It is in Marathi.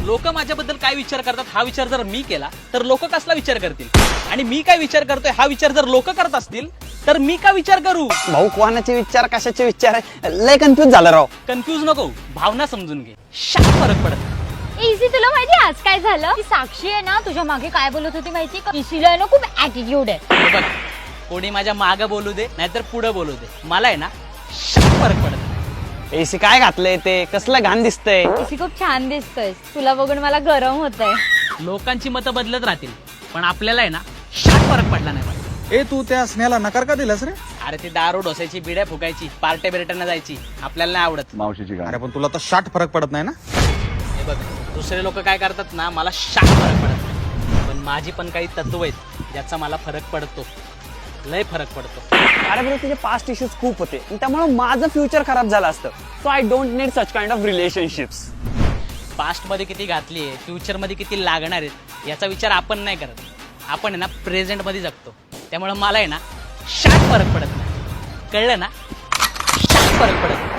लोक माझ्याबद्दल काय विचार करतात हा विचार जर मी केला तर लोक कसला विचार करतील, आणि मी काय विचार करतोय हा विचार जर लोक करत असतील तर मी का विचार करू? भाऊ कोणाचे विचार कशाचे विचार आहे, लय कन्फ्युज झालं राव. कन्फ्यूज नको, भावना समजून घे. शाप फरक पडत. इझी, तुला माहिती आज काय झालं? ती साक्षी आहे ना तुझ्या मागे काय बोलत होती माहिती का? इसीला आहे ना खूप ऍटिट्यूड आहे. हे बघ, कोणी माझ्या मागं बोलू दे नाहीतर पुढे बोलू दे, मला आहे ना शाप फरक पडत. एसी काय घातलंय ते, कसलं घाण दिसतंय. इसी खूप छान दिसतोय, तुला बघून मला गरम होतंय. लोकांची मतं बदलत राहतील पण आपल्याला आहे ना शाप फरक पडला नाही पाहिजे. ए तू त्या स्नेहाला नकार का दिलास रे? अरे ती दारू ढोसायची, बिड्या फुकायची, पार्ट्या बिरट्यांना जायची, आपल्याला नाही आवडत. मावशीची गाणी. अरे पण तुला तर शाट फरक पडत नाही ना? हे बघ, दुसरे लोक काय करतात ना मला शाप फरक पडत नाही, पण माझी पण काही तत्व आहेत ज्याचा मला फरक पडतो, लय फरक पडतो. अरे बरं, तुझे पास्ट इश्यूज खूप होते आणि त्यामुळे माझं फ्युचर खराब झालं असतं. So I don't need such kind of relationships. Past मध्ये किती घातली आहे, फ्युचर मध्ये किती लागणार आहेत याचा विचार आपण नाही करत. आपण आहे ना प्रेझेंट मध्ये जगतो, त्यामुळे मला आहे ना शाप फरक पडत नाही. कळलं ना? शाप फरक पडत नाही.